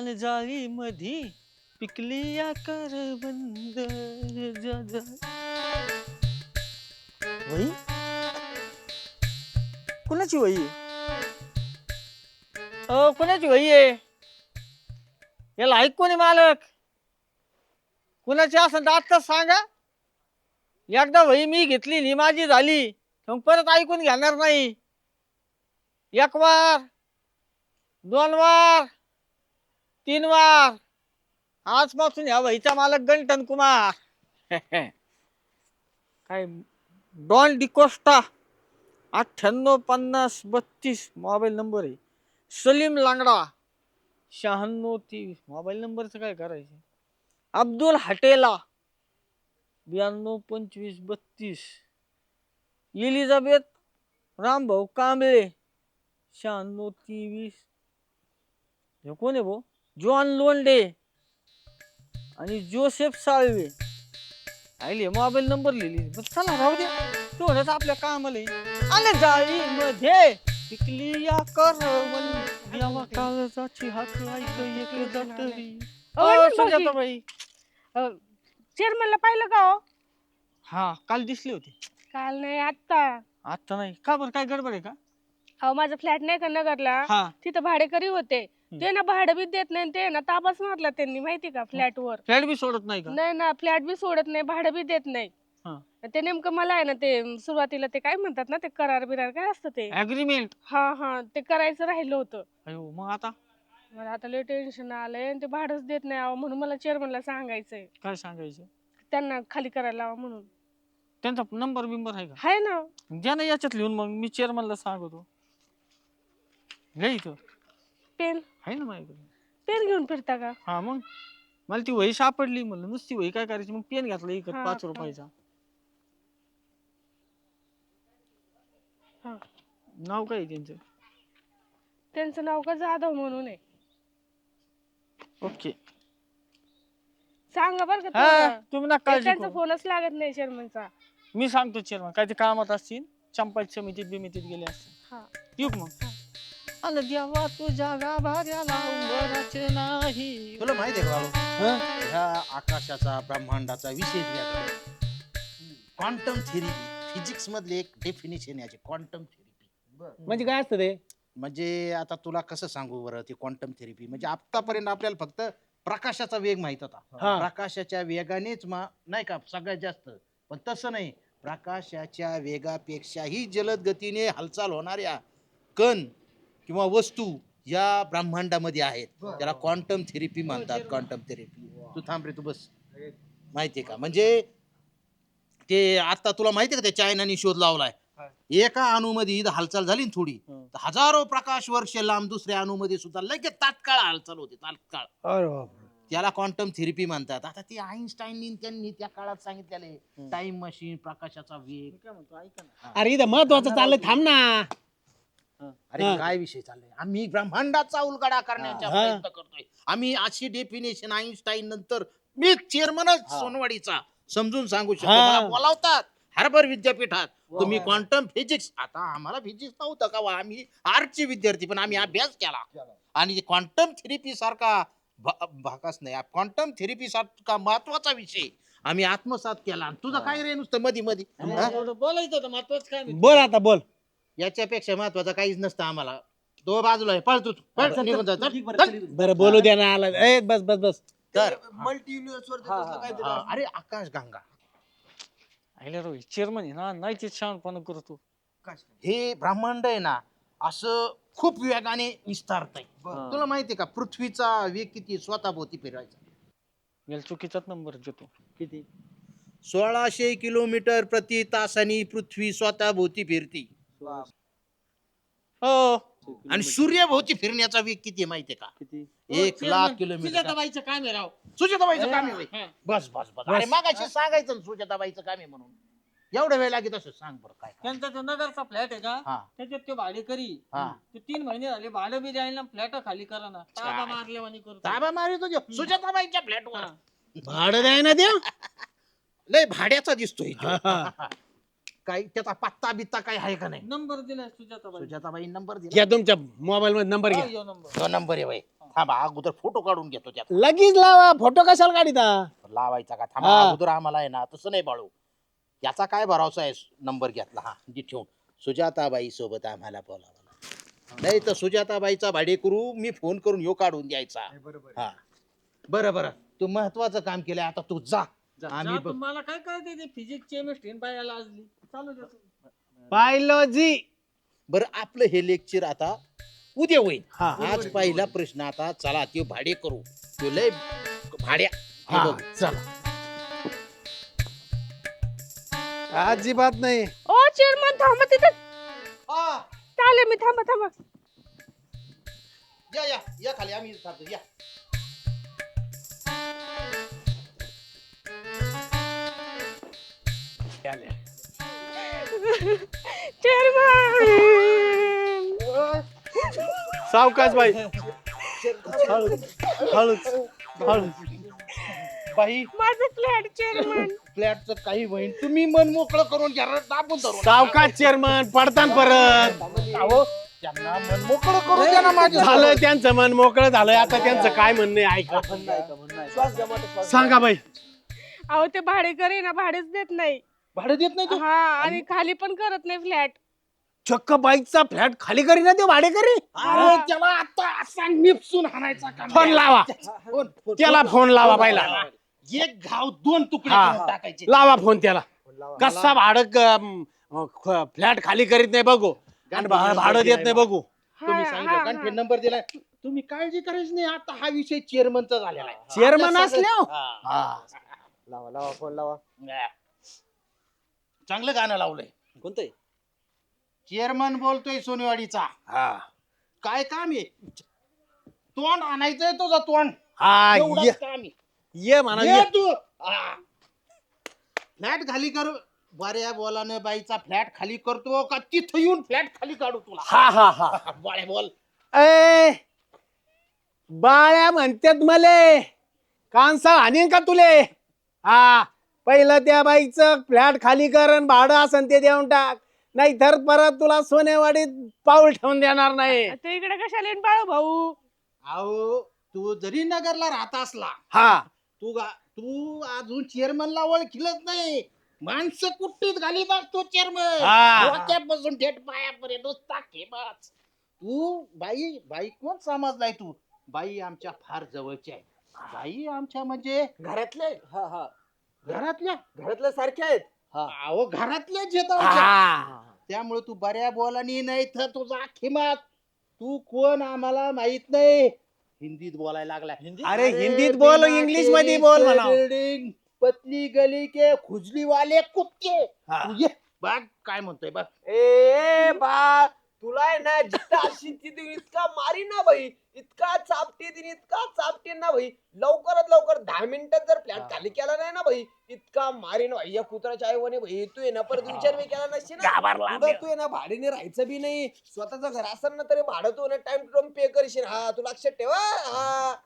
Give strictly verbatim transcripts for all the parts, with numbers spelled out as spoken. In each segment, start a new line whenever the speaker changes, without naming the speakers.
आणि जाळी मधी पिकली या करवंद. जा जा. वही कुणाची वही आहे? अ कुणाची वही आहे? याला ऐक कोणी मालक? कुणाची असं तर आत्ताच सांगा. एकदा वही मी घेतली नि माझी झाली मग परत ऐकून घेणार नाही. एक वार, दोन वार, तीन वार, आजपासून ह्या वहीचा मालक गंटन कुमार. काय डॉन डिकोस्टा अठ्ठ्याण्णव पन्नास बत्तीस मोबाईल नंबर आहे. सलीम लांगडा शहाण्णव तेवीस मोबाईल नंबरचं काय करायचं. अब्दुल हटेला ब्याण्णव पंचवीस बत्तीस. इलिझाबेथ रामभाऊ कांबळे शहाण्णव तेवीस. हे कोण आहे भाऊ? जॉन लोंडे आणि जोसेफ साळवे. आले मोबाईल नंबर लिहिली. चला राहू दे तेवढंच आपल्या कामाला आहे. आले जाळी मध्ये पिकली या करवंद यावा काळजाची हात ऐक एक दटरी.
अहो,
सुजाता बाई.
चेअरमनला पाहिलं का हो?
हा काल दिसली होती.
काल नाही आत्ता.
आता नाही का बरं काय गडबड आहे का?
अहो माझा फ्लॅट नाही का नगरला,
हा
तिथं भाडेकरी होते. ते ना भाडं बी देत नाही, ते ना ताबाच मारला त्यांनी माहिती का फ्लॅट वर.
फ्लॅट बी सोडत नाही का?
नाही ना फ्लॅट बी सोडत नाही, भाडं बी देत नाही.
हा.
ते नेमकं मला आहे ना ते सुरुवातीला ते काय म्हणतात ना ते करार बिरार काय असतं ते.
अग्रीमेंट.
हा हा ते करायचं राहिलं होतं.
अयो मग आता
मला आता लय टेन्शन आलंय आणि ते भाडंच देत नाही अहो, म्हणून मला चेअरमनला सांगायचंय
काय सांगायचं?
त्यांना खाली करायला लावा म्हणून.
त्यांचा नंबर बिंबर आहे का?
हाय ना.
द्या ना याच्यात लिहून मग मी चेअरमनला सांगतो. घे इथं
पेन
आहे ना माझ्याकडे.
पेन घेऊन फिरता का?
हा मग मला ती वही सापडली म्हणलं नुसती वही काय करायची मग पेन घातला इकत
हा,
पाच
हा.
रुपयाचा.
हा.
नाव काय आहे त्यांचं?
त्यांचं नाव का जाधव म्हणून आहे.
ओके.
सांगा बरं का
हा
तेवढं.
तुम्ही ना
ते
काळजी
त्यांचा
करू.
फोनच लागत नाही चेअरमनचा.
मी सांगतो चेअरमन काय ते कामात असतील चंपाची समितीत बिमितीत गेले असतील.
हा.
येऊ का मग? अन देवा तुझ्या गाभाऱ्याला उंबराचे नाही.
तुला माहिती आहे का बाळू, ह्या आकाशाचा ब्रह्मांडाचा विषय क्वांटम थेरपी फिजिक्स मधले एक डेफिनेशन याचे क्वांटम थेरपी.
म्हणजे काय असतं ते?
म्हणजे आता तुला कसं सांगू बरं ती क्वांटम थेरपी. म्हणजे आतापर्यंत आपल्याला फक्त प्रकाशाचा वेग माहित होता.
हा.
प्रकाशाच्या वेगानेच मा नाही का सगळ्यात जास्त, पण तसं नाही. प्रकाशाच्या वेगापेक्षाही जलद गतीने हालचाल होणाऱ्या कण किंवा वस्तू या ब्रह्मांडामध्ये आहेत. त्याला क्वांटम थेरपी म्हणतात. Quantum therapy. तू थांब रे, तू बस. माहितीये का म्हणजे ते आता तुला माहितीये का त्या चायनाने शोध लावलाय. एका अणूमध्ये इथं हालचाल झाली ना थोडी, तर हजारो प्रकाश वर्ष लांब दुसऱ्या अणूमध्ये सुद्धा लगेच तात्काळ हालचाल होते. तात्काळ.
अरे बापरे.
त्याला क्वांटम थेरपी म्हणतात. आता ते आईन्स्टाईननी त्यांनी त्या काळात सांगितलेले टाइम मशीन, प्रकाशाचा वेग.
काय म्हणतो ऐका ना.
अरे इथं महत्वाचं चाललंय, थांब ना.
अरे
हा.
काय विषय चाललाय? आम्ही ब्रह्मांडाचा उलगडा करण्याचा
हा.
प्रयत्न करतोय. आम्ही अशी डेफिनेशन आईन्स्टाईन नंतर मी चेअरमनच सोनवाडीचा समजून सांगू शकतो.
हा.
मला बोलावतात हार्वर्ड विद्यापीठात. तुम्ही क्वांटम फिजिक्स, आता आम्हाला फिजिक्स नव्हतं का वा, आम्ही आर्टचे विद्यार्थी, पण आम्ही अभ्यास केला. आणि क्वांटम थेरपी सारखा भा- भाकास नाही, क्वांटम थेरपी सारखा महत्वाचा विषय आम्ही आत्मसात केला. तुझं काय रे नुसतं मधी मधी हा?
एवढं बोलायचं होतं महत्वाचं काय नाही.
बोल आता बोल.
याच्यापेक्षा महत्वाचं काहीच नसतं आम्हाला. तो बाजूला आहे, पळ तू पळ, निघून जा, चल, चल.
बरं बोलू द्या ना. आला ए बस बस बस.
तर
मल्टी युनिव्हर्स
हा, अरे आकाश गंगा
आयला रोहित चेअरमन आहे ना नाही ते शहाणपणा करतो.
हे ब्रह्मांड आहे ना असं खूप वेगाने विस्तारत आहे.
हा.
तुला माहितीये का पृथ्वीचा वेग किती स्वतःभोवती फिरायचा?
याला चुकीचाच नंबर देतो.
किती?
सोळाशे किलोमीटर प्रति तासानी पृथ्वी स्वतःभोवती फिरती.
हो
आणि सूर्यभोवती फिरण्याचा वेग किती आहे माहितीये का?
किती?
एक लाख किलोमीटर.
सुजाताबाईचं काम आहे राव.
सुजाताबाईचं काम आहे होय.
हा.
बस बस बस अरे मागाशी सांगायचं ना सुजाताबाईचं काम आहे म्हणून. एवढा वेळ लागेल असं सांग बरं काय काम?
त्यांचा तो नगरचा फ्लॅट आहे का
हा
त्याच्यात ते भाडेकरी.
हा.
ते तीन महिने झाले भाडं बी द्यायला फ्लॅट खाली करा ना. ताबा मारल्यावानी करतो.
ताबा मारी तुझ्या सुजाताबाईच्या फ्लॅटवर.
हा.
भाडं द्याय ना द्या.
लय भाड्याचा दिसतोय तो.
हा, हा.
काय त्याचा पत्ता बित्ता काय आहे का नाही?
नंबर दिलाय सुजाताबाई.
सुजाताबाई नंबर दिला.
घ्या तुमच्या मोबाईल मध्ये नंबर
हा,
घ्या.
ह्यो नंबर.
तो नंबर आहे बाई. थांबा अगोदर फोटो काढून घेतो त्याचा.
लगेच लावा, फोटो कशाला काढिता?
लावायचा का? थांबा
हा.
अगोदर आम्हाला आहे ना तसं नाही बाळू. याचा काय भरोसा आहे? नंबर घेतला हा जी ठेवून सुजाताबाई सोबत आम्हाला बोलावं नाही तर सुजाताबाईचा भाडेकरू मी फोन करून ह्यो काढून द्यायचा. हा बरं बरं तू महत्वाचं काम केलंय आता तू जा. आम्ही
जा,
बघ-
तुम्हाला काय कळते ते फिजिक्स केमिस्ट्री बायाला आजली चालू द्या तुम्ही.
बायोलॉजी.
बरं आपलं हे लेक्चर आता उद्या होईल.
हा.
आज पहिला प्रश्न आता चला ते भाडे करू तो लय भाड्या हे
हा,
बघ.
चला. अजिबात नाही.
ओ चेअरमन थांबा तिथे.
हा,
चालेल मी थांबा थांबा.
या या या खाली आम्ही थांबतो, या.
चेअरमन
सावकाश बाई. हळूच हळूच हळूच.
बाई
माझं फ्लॅट चेअरमन.
फ्लॅटचं काही होईल तुम्ही मन मोकळं करून घ्या रे, दाबून धरून.
सावकाश चेअरमन पडतान परत.
अहो, त्यांना मन मोकळं करून द्या ना माझ्या.
झालं त्यांचं मन मोकळं झालंय. आता त्यांचं काय म्हणणं आहे ऐका. सांगा बाई.
अहो ते भाडेकरी ना भाडेच देत नाही.
भाडं देत नाही तू?
हा आणि खाली पण करत नाही फ्लॅट.
चक्क बाईकचा फ्लॅट खाली करी ना ते भाडेकरी.
अरे त्याला आता असा निपसून हाणायचा का?
फोन लावा
फोन, फोन,
त्याला,
फोन.
फोन लावा पहिला.
एक घाव दोन तुकडे
हा.
करून टाकायचे.
लावा फोन त्याला. कसा भाडं फ्लॅट खाली करीत नाही बघू आणि भा- भाडं देत नाही बघू.
तुम्ही
हा,
सांगितलं
हा,
कारण
हा.
नंबर दिलाय. तुम्ही काळजी करायची नाही आता हा विषय चेअरमनचा झालेला आहे.
चेअरमन
आपल्या सगळं-
असल्या
हा.
लावा लावा फोन लावा.
चांगलं गाणं लावलंय.
कोणतंय?
चेअरमन बोलतोय सोनेवाडीचा. काय काम आहे? तोंड आणायचंय तुझं तोंड.
हा
एवढंच
ये
काम आहे.
ये म्हणा
ये
ये.
तू. हा. फ्लॅट खाली कर. बऱ्या बोलानं बाईचा फ्लॅट खाली करतो का तिथं येऊन फ्लॅट खाली काढू तुला?
हा हा हा.
बऱ्या बोल.
ए बाळ्या म्हणतात मले कांसा आणीन का तुले? हा पहिलं त्या बाईचं फ्लॅट खाली कर आणि भाडं असन ते देऊन टाक, नाही तर परत तुला सोनेवाडीत पाऊल ठेवून देणार नाही.
ते इकडे कशाला येईन बाळू भाऊ?
अहो तू जरी नगरला राहत असला
हा
तू गा तू अजून चेअरमनला ओळखीलच नाही. माणसं कुट्टीत घालीत असतो चेअरमन.
हा.
डोक्यापासून थेट पायापर्यंत नुसता खेमाच. तू बाई बाई कोण समजलाय तू? बाई आमच्या फार जवळची आहे. बाई आमच्या म्हणजे
घरातले हा हा
घरातल्या
घरातल्या सारख्या आहेत.
अहो घरातल्याच येत आमच्या.
हा.
त्यामुळे तू बऱ्या बोलानी नाही तर तुझा खिमात. तू कोण आम्हाला माहित नाही. हिंदीत बोलायला लागला.
अरे हिंदीत बोल, इंग्लिश मध्ये बोल म्हणा.
बिल्डिंग पतली गली के खुजली वाले कुत्ते.
हा.
तू ये बघ काय म्हणतोय बघ.
ए बा तुला आहे ना जिथं अशी तिथे इतका मारी ना भाई, इतका चापटे दिन इतका चापटे ना भाई. लवकरात लवकर दहा मिनिटात जर फ्लॅट खाली केला नाही ना भाई, इतका मारीन भाई या कुत्राच्या आई म्हणे भाई. तू आहे ना परत विचार बी केला नसशी ना.
घाबरला.
पुढं तू आहे ना भाडीने राहायचं बी नाही. स्वतःचं घर असेल ना तरी भाडं तू ना टाइम टू टाइम पे करशील. हा तू लक्षात ठेवा. हा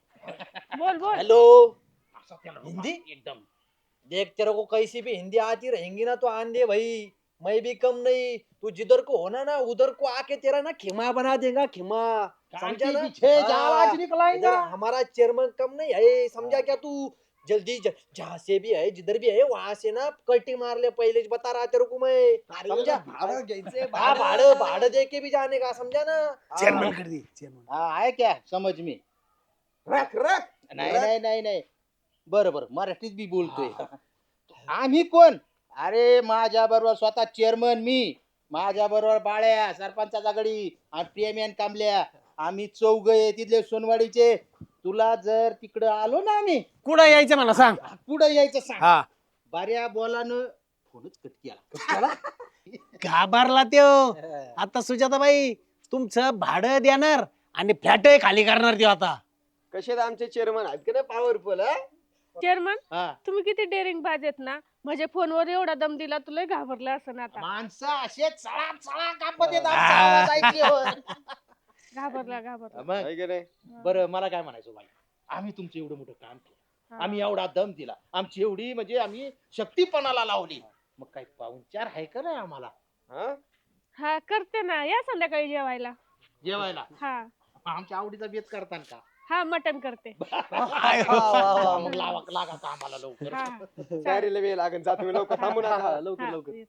बोल बोल.
हेलो
असं त्याला
हिंदी?
एकदम
देख तेरे को कैसी भी हिंदी आती रहेंगी ना तो आन दे भाई. मैं भी कम नहीं. तू जिधर को होना ना उधर को आके तेरा ना खिमा बना देगा. खिमा समझा ना?
पीछे
हाँ,
आवाज निकलाएगा.
इधर हमारा चेयरमैन कम नहीं है. समझा क्या तू? जल्दी ज- जहाँ से भी है जिधर भी है वहां से ना कटिंग मार ले. पहले बता रहा तेरे को मैं. समझा?
भाडं घ्यायचंय,
हाँ भाड़े भाड़े दे के भी जाने का. समझा ना?
चेअरमन
हाँ.
कर दे चेअरमन.
हा आहे क्या समज मी.
रख रख
नाही नाही नाही नाही बरं बरं मराठीत बी बोलतोय. आम्ही कोण? अरे माझ्या बरोबर स्वतः चेअरमन मी, माझ्या बरोबर बाळ्या सरपंचाचा गडी आणि प्रेम्यान कांबल्या. आम्ही चौघ आहे तिथले सोनवाडीचे. तुला जर तिकडं आलो ना आम्ही
कुठं यायचं मला सांग.
पुढे यायचं सांग.
हा
बऱ्या बोलानं फोनच कट केला.
घाबरला त्यो. आता सुजाताबाई तुमचं भाडं देणार आणि फ्लॅट खाली करणार त्यो आता.
कसे आमचे चेअरमन आहेत का नाही पॉवरफुल.
चेअरमन
हा.
तुम्ही किती डेअरिंग बाजेत ना. म्हणजे फोनवर एवढा दम दिला तुला घाबरला असं आता.
माणसं असे चळा चळा कापत येत आमचा आवाज ऐकल्यावर.
घाबरला घाबरला.
मग बरं मला काय म्हणायचं बाई, आम्ही तुमचं एवढं मोठं काम केलं,
हा.
आम्ही एवढा दम दिला, आमची एवढी म्हणजे आम्ही शक्तीपणाला लावली. मग काही पाहुणचार आहे का नाही आम्हाला
हा?
हा करते ना, या संध्याकाळी जेवायला.
जेवायला?
हा
आमच्या आवडीचा बेत करतान का?
हा मटन करते.
मग लावा लागा का आम्हाला लवकर.
हा
तयारीला वेळ लागेल, जा तुम्ही लवकर, थांबू नका.
लवकर लवकर.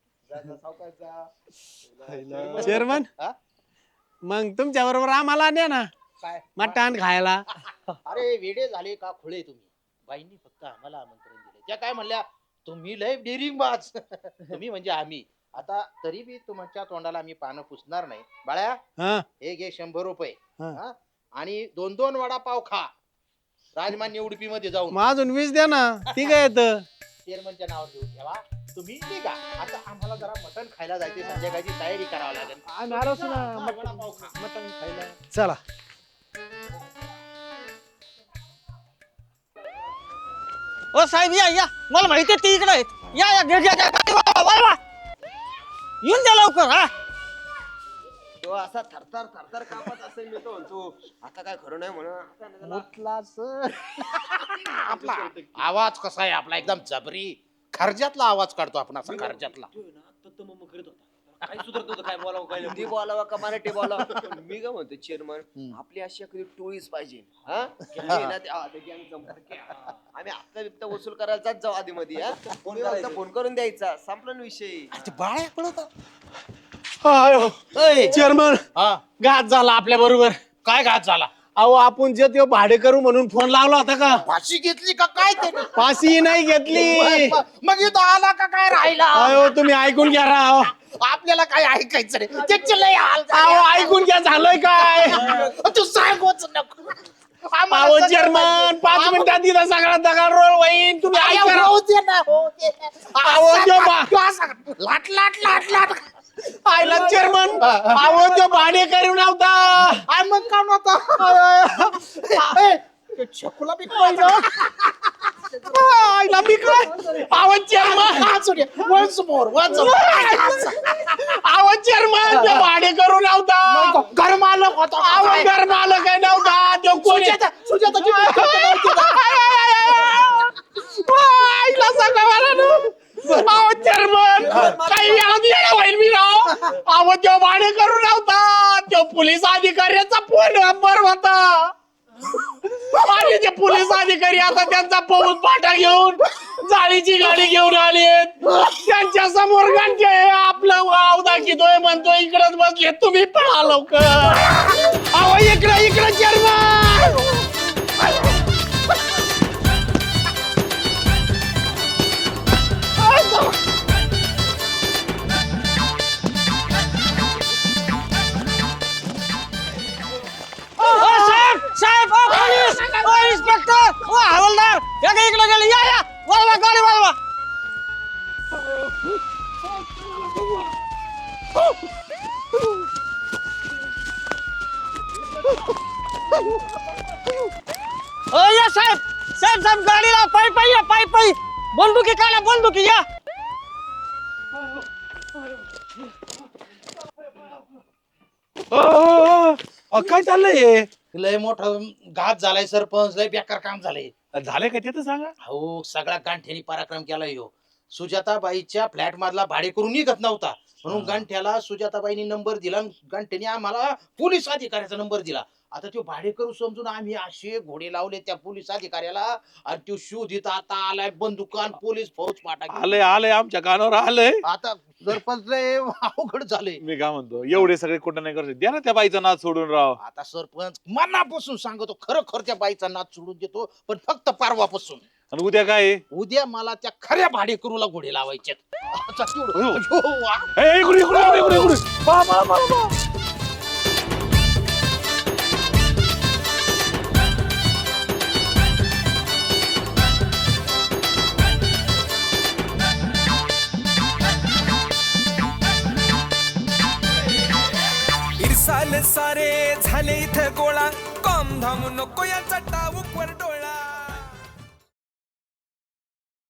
चेअरमन,
हा?
मग तुमच्या बरोबर आम्हाला द्या ना
काय
मटण खायला.
अरे वेडे झाले का खुळे तुम्ही? बाईंनी फक्त आम्हाला आमंत्रण दिले. त्या काय म्हणल्या, तुम्ही लय डेअरिंग बाज. तुम्ही म्हणजे आम्ही. आता तरी बी तुमच्या तोंडाला आम्ही पानं पुसणार नाही. बाळ्या,
हा
हे घे शंभर रुपये.
हा.
हा? आणि दोन दोन वडापाव खा राजमान्य उडपी मध्ये जाऊन.
मग अजून वीस द्या ना, ती काय येत.
चेअरमनच्या नावावर घेऊन ठेवा. तुम्ही निघा. आता आम्हाला जरा मटण खायला जायचे, संध्याकाळची तयारी करावी लागेल. हा, वडापाव खा.
मटण खायला चला.
ओ साहेब या या, मला माहिती आहे ती इकडे आहेत. या या, घे, घे, घे. वा, वा, वा. येऊन द्या लवकर. हा
तो असा थरथर थरथर कापत असेल, मी तो म्हणतो आता काय खरं नाही म्हणा.
आपला आवाज कसा आहे आपला, एकदम जबरी खर्जातला आवाज काढतो आपण, असा खर्जातला.
काय सुधरत होतं, काय बोलावं काय हिंदी बोलावं का मराठी बोलावं. मी काय म्हणतो चेअरमन, आपली अशी एखादी टोळीच पाहिजे. हा केली ना ते- हा, ते gang जमणार की, हा. आम्ही हप्ता बिप्ता वसूल करायला जात जाऊ आधी मध्ये. फोन करायचा, फोन करून द्यायचा, संपला ना विषय.
बाळ्या पळत
चेअरमन,
हा,
घात झाला आपल्या बरोबर.
काय घात झाला?
अहो आपण जे ते भाडे करू म्हणून फोन लावला होता का,
फाशी घेतली का काय ते?
फाशी नाही घेतली.
मग इथं आला का काय राहिला?
अहो तुम्ही ऐकून घ्या राव.
आपल्याला काय ऐकायचं रे, त्याचे लय हाल
अहो
झाले.
ऐकून घ्या, झालंय काय.
तू सांगूच नको. आम्हाला
अहो
सगळं
चेअरमन,
माहिती.
पाच मिनिटात तिथं सगळा दगड रोल होईन, तुम्ही
अरे
ऐका.
होऊ दे ना, होऊ दे.
अहो,
असं
जो
का-
बा-
तू असं का- लाट लाट लाट लाट
आयला चेअरमन, अहो तो भाडे करू नव्हता.
आय मग का नव्हता? छकुला बी पाहिजे.
आयला मी काय, अहो चेअरमन,
वन्स मोर वन्स
अहो चेअरमन, तो भाडे करू नव्हता.
घर मालक होता.
अहो घर मालक काय नव्हता, तो कोणी.
सुजाता सुजाताची बायको होती.
आईला सांगा मला ना. अहो चेअरमन, काही वेळात येणं होईल मी राव. अहो तो भाडे करू नव्हता, तो पोलीस अधिकाऱ्याचा फोन नंबर होता. आणि ते पोलीस अधिकारी आता त्यांचा पाऊस पाटा घेऊन जाळीची गाडी घेऊन आले. त्यांच्या समोर घंटे आपलं वाव दाखवतोय, म्हणतोय इकडच बसले, तुम्ही पळा लवकर. अहो इकडं इकडं चेअरमन.
ओ साहेब साहेब, ओ पोलीस, ओ इन्स्पेक्टर, ओ हवालदार, या का इकडे गेले. या या, वळवा गाडी वळवा. ओ या साहेब साहेब साहेब, गाडी लाव. पायी पायी या, पायी पायी. बंदुकी काढा, बंदुकी या.
काय चाललंय,
लय मोठं घात झालाय सरपंच, लय बेकार काम झालंय.
झालंय का ते तर सांगा.
हो, सगळा गांठ्यानी पराक्रम केला ह्यो. सुजाताबाईच्या फ्लॅट मधला भाडे करून निघत नव्हता, म्हणून गांठ्याला सुजाताबाईनी नंबर दिला आणि गांठ्याने आम्हाला पोलीस अधिकाऱ्याचा नंबर दिला. आता तो भाडे करू समजून आम्ही असे घोडे लावले त्या पोलीस अधिकाऱ्याला, आणि तो शोधित आता आलाय बंदुकान पोलीस फौज पाटा घेऊन.
आलंय आलंय आमच्या कानावर आलंय.
आता सरपंच लय अवघड झाले.
मी काय म्हणतो, एवढे सगळे कुठं नाही करत, द्या ना त्या बाईचा नाच सोडून राव.
आता सरपंच मनापासून सांगतो, खरं खर त्या बाईचा नाच सोडून देतो, पण फक्त परवापासून.
आणि उद्या काय आहे?
उद्या मला त्या खऱ्या भाडेकरूला घोडे लावायचे.
ए, इकडे इकडे इकडे इकडे इकडे. पहा, पहा, पहा, पहा.
इरसाल सारे झाले इथं गोळा, कॉम धाम नको या चटावर डोळा.